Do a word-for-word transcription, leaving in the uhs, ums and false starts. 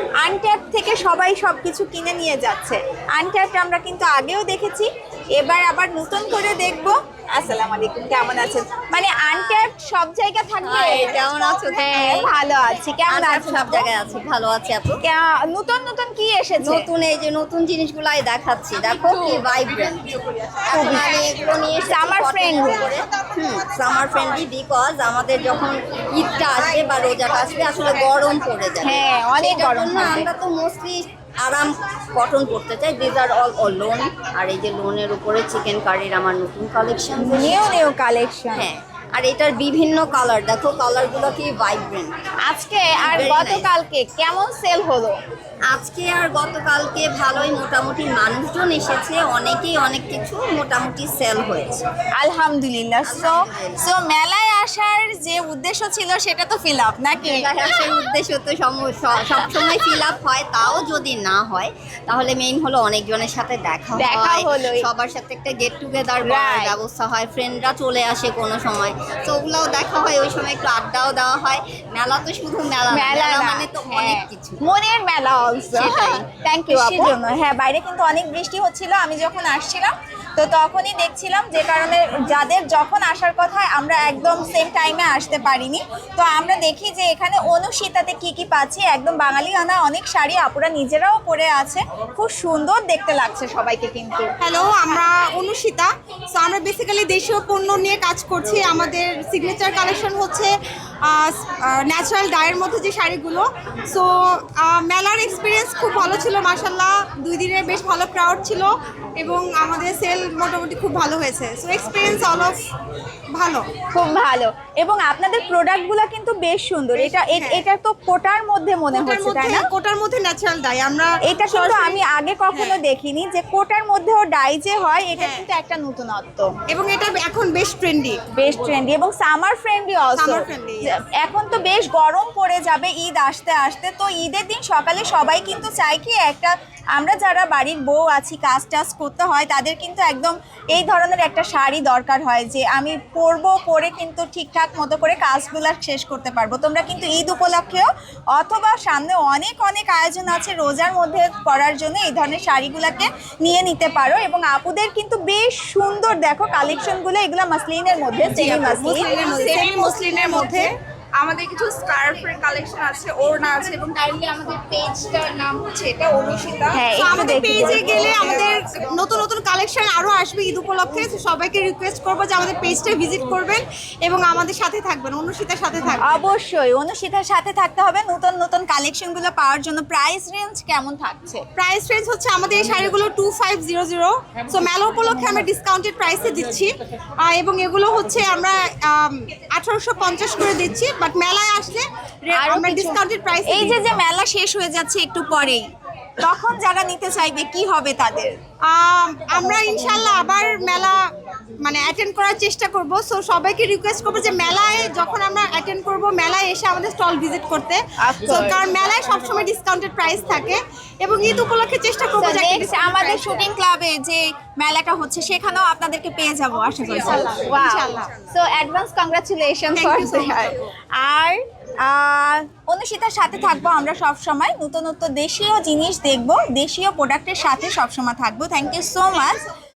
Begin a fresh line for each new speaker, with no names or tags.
Untap থেকে সবাই সবকিছু কিনে নিয়ে যাচ্ছে। আনট্যাপ আমরা কিন্তু আগেও দেখেছি, এবার আবার নতুন করে দেখবো। আসসালামু আলাইকুম, কেমন আছেন? মানে আনট্যাপ সব জায়গা থাকবে।
কেমন আছো?
হ্যাঁ ভালো আছি, কেমন আছেন?
সব জায়গায় আছি, ভালো আছি আপু।
কে- নতুন নতুন কি এসেছে?
নতুন এই যে নতুন জিনিসগুলাই দেখাচ্ছি, দেখো কি ভাইব্রেন্ট। এখন আমি এগুলো নিয়ে
Summer friendly।
Summer friendly, because আমাদের যখন ঈদটা আসবে বা রোজাটা আসবে আসলে গরম পড়ে যায়।
হ্যাঁ, অনেক
সেটার
গরম
জন্য
পড়বে।
আমরা তো মোস্টলি আরাম কটন পড়তে চাই। This are all all lawn. আর এই যে লোনের উপরে চিকেন কারির আমার নতুন কালেকশন।
New new collection.
হ্যাঁ, আর এটার বিভিন্ন কালার, দেখো কালারগুলো কি ভাইব্রেন্ট।
আজকে আর
Very nice.
গতকালকে কেমন সেল হলো?
আজকে আর গতকালকে ভালোই মোটামুটি মানুষজন এসেছে, অনেকেই অনেক কিছু মোটামুটি সেল হয়েছে।
আলহামদুলিল্লাহ। সো সো মেলায় আসার যে উদ্দেশ্য ছিল সেটা তো ফিল আপ নাকি?
সেই উদ্দেশ্য তো সম- স- সবসময় ফিল আপ হয়, তাও যদি না হয় তাহলে মেইন হলো অনেকজনের সাথে দেখা
দেখা
হয়,
হলোই।
সবার সাথে একটা গেট টুগেদার করার
Right.
ব্যবস্থা হয়, ফ্রেন্ডরা চলে আসে কোনো সময়, তো ওগুলোও দেখা হয়, ওই সময় একটু আড্ডাও দেওয়া হয়। মেলা তো শুধু মেলা না,
মেলা
মেলা
না,
মানে তো
হ্যাঁ।
অনেক কিছু।
মনের মেলা অলসো।
সেটাই।
থ্যাংক ইউ
বৃষ্টির
আপু।
জন্য।
হ্যাঁ, বাইরে কিন্তু অনেক বৃষ্টি হচ্ছিল। আমি যখন আসছিলাম তো তখনই দেখছিলাম, যে কারণে যাদের যখন আসার কথা আমরা একদম সেম টাইমে আসতে পারিনি। তো আমরা দেখি যে এখানে অনুশীতাতে কি কি পাচ্ছি, একদম বাঙালি আনা অনেক শাড়ি আপুরা নিজেরাও পরে আছে, খুব সুন্দর দেখতে লাগছে সবাইকে কিন্তু।
হ্যালো, আমরা অনুষিতা। সো আমরা বেসিক্যালি দেশীয় পণ্য নিয়ে কাজ করছি। আমাদের সিগনেচার কালেকশন হচ্ছে ন্যাচারাল ডায়ের মধ্যে যে শাড়িগুলো। সো মেলার এক্সপিরিয়েন্স খুব ভালো ছিল মাশাল্লাহ। দুই দিনের বেশ ভালো ক্রাউড ছিল এবং আমাদের সেল মোটামুটি খুব ভালো হয়েছে। সো এক্সপিরিয়েন্স অল অফ ভালো।
খুব ভালো। এবং আপনাদের প্রোডাক্টগুলো কিন্তু বেশ সুন্দর। এটা এ-
হ্যাঁ।
এটা তো কোটার মধ্যে মনে
কোটার
হচ্ছে, তাই
মধ্যে
না?
কোটার মধ্যে ন্যাচারাল ডাই আমরা
এটা কিন্তু
সরাসরি-
আমি আগে কখনো
হ্যাঁ।
দেখিনি যে কোটার মধ্যেও ডাই যে হয়, এটা
হ্যাঁ।
কিন্তু একটা নতুনত্ব।
এবং এটা এখন বেশ ট্রেন্ডি।
বেশ ট্রেন্ডি এবং summer friendly also.
Summer friendly, yes.
এখন তো বেশ গরম পড়ে যাবে ঈদ আসতে আসতে, তো ঈদের দিন সকালে সবাই কিন্তু চায় কি একটা, আমরা যারা বাড়ির বউ আছি কাজ টাজ করতে হয় তাদের কিন্তু একদম এই ধরনের একটা শাড়ি দরকার হয়, যে আমি পরবো, পরে কিন্তু ঠিকঠাক মতো করে কাজগুলো শেষ করতে পারবো। তোমরা কিন্তু ঈদ উপলক্ষেও অথবা সামনে অনেক অনেক আয়োজন আছে রোজার মধ্যে পরার জন্য এই ধরনের শাড়িগুলোকে নিয়ে নিতে পারো। এবং আপুদের কিন্তু বেশ সুন্দর দেখো কালেকশনগুলো, এগুলো মাসলিনের মধ্যে, সেমি মাসলিন।
সেমি মসলিনের মধ্যে আমাদের কিছু স্কার্ফের কালেকশন আছে, ওড়না আছে, এবং কাইন্ডলি আমাদের পেজটার নাম হচ্ছে এটা অনুষিতা।
হ্যাঁ,
তো
একটু
আমাদের
দেখি
পেজে
বলো।
গেলে আমাদের নতুন নতুন কালেকশন আরো আসবে ঈদ উপলক্ষে। তো সবাইকে রিকোয়েস্ট করবো যে আমাদের পেজটা ভিজিট করবেন এবং আমাদের সাথে থাকবেন, অনুষিতার সাথে থাকবেন।
অবশ্যই অনুশীতার সাথে থাকতে হবে নতুন নতুন কালেকশনগুলো পাওয়ার জন্য। প্রাইস রেঞ্জ কেমন থাকছে?
প্রাইস রেঞ্জ হচ্ছে আমাদের এই শাড়িগুলো two five zero zero. So মেলা উপলক্ষে আমরা ডিসকাউন্টেড প্রাইসে দিচ্ছি, আহ, এবং এগুলো হচ্ছে আমরা আঠারোশো পঞ্চাশ করে দিচ্ছি, বাট মেলায় আসলে রে-
আরো
আমরা
কিছু-
ডিসকাউন্টেড প্রাইসে
এই যে যে মেলা শেষ হয়ে যাচ্ছে একটু পরেই, তখন যারা নিতে চাইবে কি হবে তাদের?
আম, আমরা ইনশাল্লাহ আবার মেলা মানে অ্যাটেন্ড করার চেষ্টা করব। সো সবাইকে রিকোয়েস্ট করবো যে মেলায় যখন আমরা অ্যাটেন্ড করব মেলায় এসে আমাদের স্টল ভিজিট করতে।
Of
So,
course.
কারণ মেলায় সবসময় ডিসকাউন্টেড প্রাইস থাকে এবং ঈদ উপলক্ষে চেষ্টা করবো
So
যে একটা
next
discounted
আমাদের
price
শুটিং ক্লাবে যে মেলাটা হচ্ছে সেখানেও আপনাদেরকে পেয়ে যাবো আশা করি।
ইনশাল্লাহ, ইনশাল্লাহ।
So advance congratulation
Thank
for
you so much.
আর আহ, অনুষিতার সাথে থাকবো আমরা সব সময়, নতুন নতুন দেশীয় জিনিস দেখবো, দেশীয় প্রোডাক্টের সাথে সব সময় থাকবো। Thank you so much.